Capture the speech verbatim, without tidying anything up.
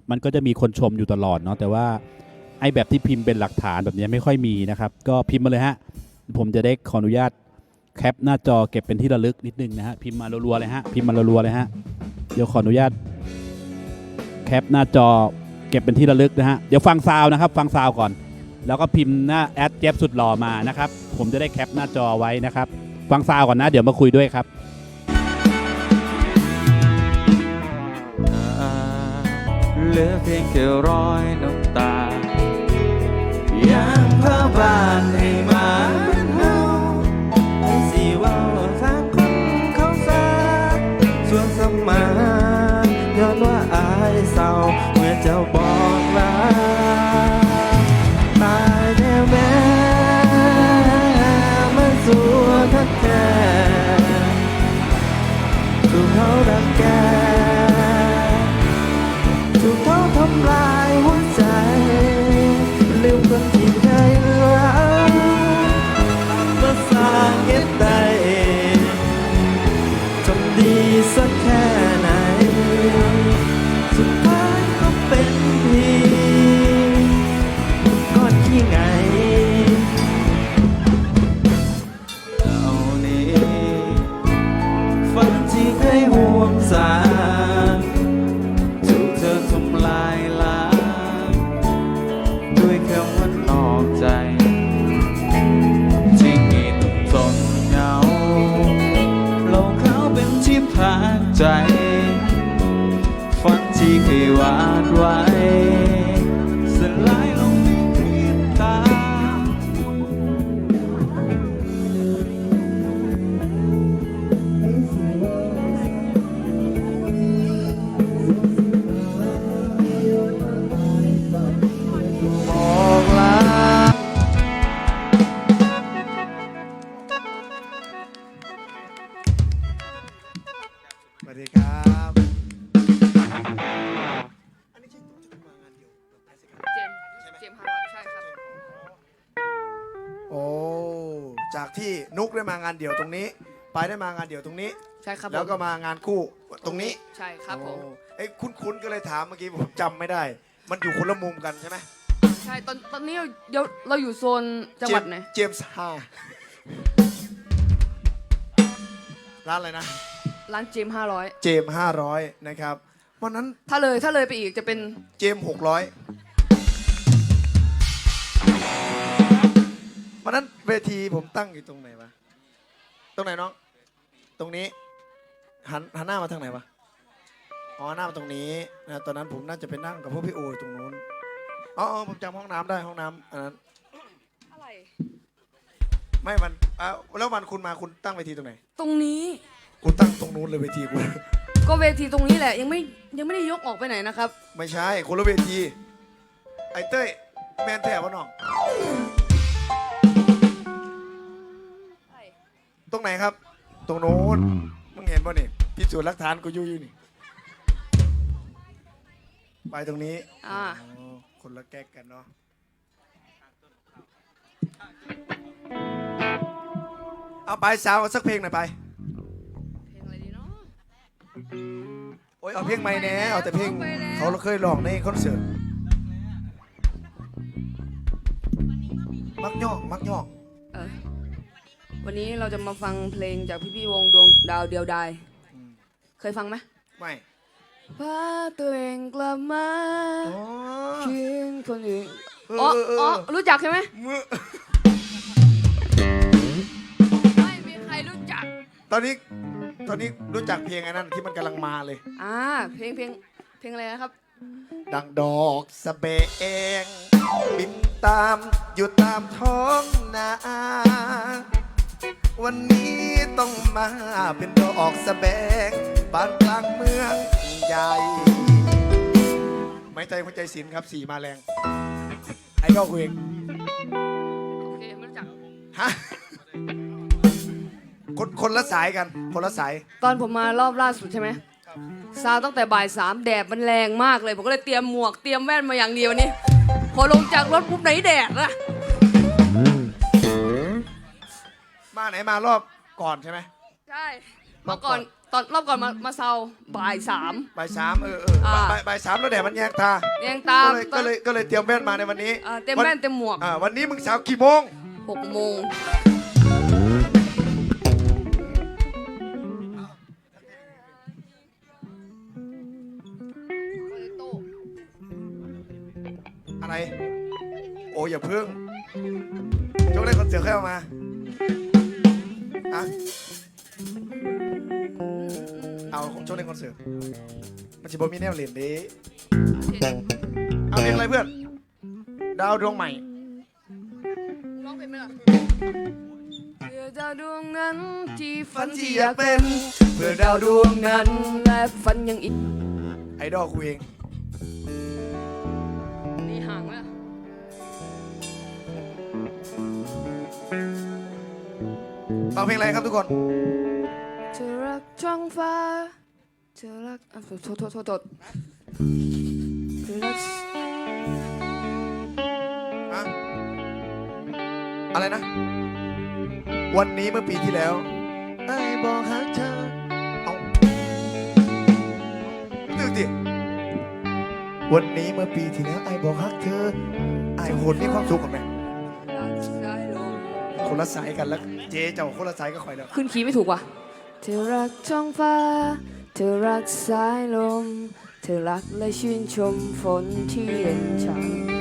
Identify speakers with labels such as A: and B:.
A: มันก็จะมีคนชมอยู่ตลอดเนาะแต่ว่าไอ้แบบที่พิมพ์เป็นหลักฐานแบบนี้ไม่ค่อยมีนะครับก็พิมพ์มาเลยฮะผมจะได้ขออนุญาตแคปหน้าจอเก็บเป็นที่ระลึกนิดนึงนะฮะพิมพ์มารัวๆเลยฮะพิมพ์มารัวๆเลยฮะเดี๋ยวขออนุญาตแคปหน้าจอเก็บเป็นที่ระลึกนะฮะเดี๋ยวฟังซาวนะครับฟังซาวก่อนแล้วก็พิมพ์หน้าแอดเจฟสุดหล่อมานะครับผมจะได้แคปหน้าจอไว้นะครับฟังซาวก่อนนะเดี๋ยวมาคุยด้วยครับ
B: เหลือเพียงแค่รอยน้ำตายังพาบ้านให้มาเฮาให้สิเว้าทางคนเขาซาส่วนสมานย้อนว่าอายเศร้าเมื่อเจ้าบอกลาตายแน่แม่มาสู่ทักแก่ถูกเขาดังแกถูกเขาทำลายหัวใจลืมคนที่เคยรักมาสร้างเหตุใดทำดีสักแค่ไหนสุดท้ายก็เป็นเพียงก้อนขี้ไงเอานี้ฝันที่เคยห่วงสาทำลายล้างด้วยคำว่านอกใจที่มีต้องทนเหงาโลกเขาเป็นที่พักใจฝันที่เคยวาดไว้สลายลงในพริบตา
C: สวัสดีครับอันนี้ใช่ตัวที่มางานเดียวกับไอซิก
D: เจมส์เจมส์ฮาร์ดใช่ครับ
C: โอ้จากที่นุกได้มางานเดี่ยวตรงนี้ไปายได้มางานเดี่ยวตรงนี้
D: ใช่ครับ
C: แล้วก็
D: ผม
C: มางานคู่ตรงนี้
D: ใช่ครับผม
C: โอ้เอ้ยคุ้นๆก็เลยถามเมื่อกี้ผมจำไม่ได้ มันอยู่คนละมุมกันใช่ไหม
D: ใช่ตอนตอนนี้เราเดี๋ยวเราอยู่โซนจังหวัดไหน
C: เจมส์ฮาร้านอะไรนะ
D: ร้านเจมห้าร้อย
C: เจมห้าร้อยนะครับวันนั้น
D: ถ้าเลยถ้าเลยไปอีกจะเป็น
C: เจมหกร้อยวันนั้นเวทีผมตั้งอยู่ตรงไหนวะตรงไหนน้องตรงนี้หันหันหน้ามาทางไหนวะอ๋อหน้ามาตรงนี้นะตอนนั้นผมน่าจะไปนั่งกับพวกพี่โออยู่ตรงนู้นอ๋ออ๋อผมจำห้องน้ำได้ห้องน้ำอันนั้น
D: อะไร
C: ไม่มันอ่ะแล้ววันคุณมาคุณตั้งเวทีตรงไหน
D: ตรงนี้
C: คุณตั้งตรงนู้นเลยเวทีคุณ
D: ก็เวทีตรงนี้แหละยังไม่ยังไม่ได้ยกออกไปไหนนะครับ
C: ไม่ใช่คนละเวทีไอ้เต้ยแมนแถวะน้องตรงไหนครับ ตรงโน้นมึงเห็นป่ะนี่พิสูจน์หลักฐานกูอยู่อยู่นี่ไปตรงนี้
D: อ่า
C: อ๋อคนละแก๊กกันเนาะเอาไปสาวเอาสักเพลงหน่อยไป
D: เพลงอะไรดีเนาะ
C: โอ้ยเอาเพลงใหม่แน่เอาแต่เพลง
D: ไปแล้ว
C: เขาเคยร้องในคอนเสิร์ตมักย่องมักย่อง
D: เออวันนี้เราจะมาฟังเพลงจากพี่พี่ๆวงดวงดาวเดียวดายเคยฟังไหม
C: ไม่
D: พาตัวเองกลับมา
C: อ๋อ
D: คืนคนอื่น
C: เออ
D: อ๋อ
C: เออเออ
D: อ๋อรู้จักใช่ไหม
C: มือ
D: ไม่มีใครรู้จัก
C: ตอนนี้ตอนนี้รู้จักเพลงไอ้นั่นที่มันกำลังมาเลย
D: อ่าเพลงเพลงเพลงอะไรนะครับ
C: ดังดอกสะเบงบินตามอยู่ตามท้องนาวันนี้ต้องมาเป็นดอกสะเบงบ้านกลางเมืองใหญ่ไม่ใจหัวใจศิลป์ครับสีมาแรงไอ้ดอกเวง
D: โอเคไม่รู้จัก
C: ฮะคนคนละสายกันคนละสาย
D: ตอนผมมารอบล่าสุดใช่ไหมซาวตั้งแต่บ่ายสามแดดมันแรงมากเลย ผมก็เลยเตรียมหมวกเตรียมแว่นมาอย่างเดียวนี่พอลงจากรถปุ๊บไหนแดดล่ะ
C: มาไหนมารอบก่อนใช่ไหม
D: ใช่เมื่อก่อนตอนรอบก่อนมามาเซาบ่ายสาม
C: บ่ายสามเออเออ
D: อ่า
C: บ่ายบ่ายสามแล้วแดดมันแยงตา
D: เรียงตาม
C: ก็เลยก็เลยก็เลยเตรียมแว่นมาในวันนี้
D: เอ่อเต็มแว่นเต็มหมวก
C: อ่าวันนี้มึงสาวกี่โมง
D: หกโมง
C: อะไร โอ้อย่าเพิ่งโจ๊กเล่นคอนเสิร์ตค่อยเอามาอะเอาโจ๊กเล่นคอนเสิร์ตมันจะบอมีแนวเล่นเด้เอาเพลงอะไรเพื่อน ดาวดวงใหม่
D: ร้องเพลงไหมล่ะเพื่อดาวดวงนั้นที่ฝั
C: ฝั
D: น
C: น
D: ที่
C: ที่อยาก ก
D: อายเป็
C: เป็น นเพื่อดาวดวงนั้น
D: และฝันยังอีก
C: ไอดอลกูเอง
D: นี่ห่างไหมล่ะ
C: ฟังเพลงอะไรครับทุกคน
D: เธอรักท้องฟ้าเธอรักอ่ะโทษโทษโทษโทษโทษเธอรัก
C: อะอะไรนะ วันนี้เมื่อปีที่แล้วไอ้บอกหาเธอเอาตึกดิวันนี้เมื่อปีที่แล้วไอ้บอกฮักเธอไอ้โหดมีความสุขกับแม่
D: รักสายลม
C: คนละสายกันแล้ว เจ๊เจ้าคนละสายก็คอยแล้ว
D: ขึ้นคีย์ไม่ถูกว่ะเธอรักท้องฟ้าเธอรักสายลมเธอรักและชื่นชมฝนที่เย็นฉ่ำ